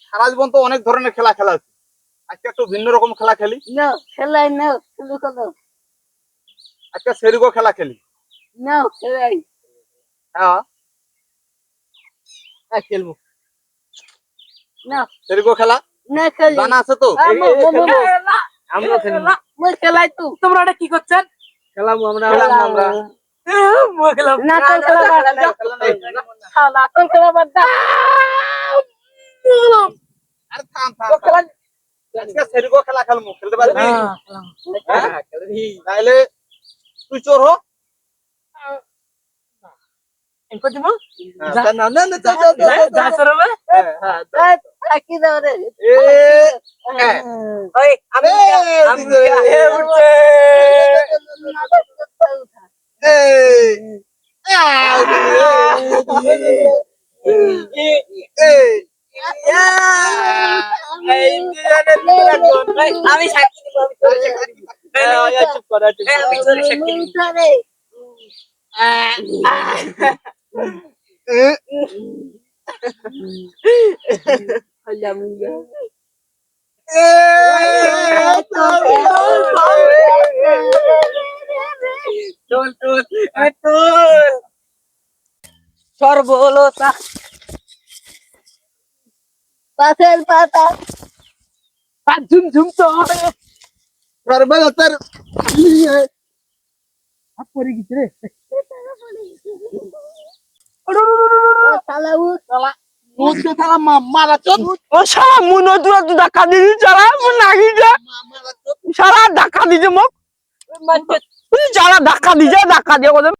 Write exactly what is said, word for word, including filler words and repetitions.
সারা জীবন তো অনেক ধরনের খেলা খেলা আছে, আজকে একটু ভিন্ন রকম খেলা খেলি। না খেলাই না শুরু করো। আজকে সেরিগো খেলা খেলি। না খেলাই হ্যাঁ হ্যাঁ খেলবো না সেরিগো খেলা। না খেলি জানা আছে তো? আমরা খেলবো। মই খেলাই তো। তোমরা এটা কি করছেন? খেলাবো আমরা খেলাবো আমরা মই খেলাম না তো খেলা বাদ দাও। শালা তো খেলা বাদ দাও। আরে থাম থাম খেলা। আজকে সেরিগো খেলা খেলবো, খেলতে পারবি? হ্যাঁ খেলবি। তাহলে তুই চোর হ। এনকো দিমু না না না যা যা যা যা সরবে। হ্যাঁ হ্যাঁ থাকি দাও রে। এ ওই আমি আমি এ উঠছে আমি সাক্ষী দিব আমি চুপ কর আমি তোর সাক্ষী দিব সর্বলতা পাশের পাতা ঝুম ঝুম তো সর্বলতার হাত পড়ে গেছে রে শালা উ শালা মুঝে থালা মারা চোদ ও সারা মুনো দুরা দু ধাক্কা দিছি সারা মুন লাগি যা মারা চোদ সারা ধাক্কা দিছে মোক তুই যারা ধাক্কা দিছে ধাক্কা দিয়ে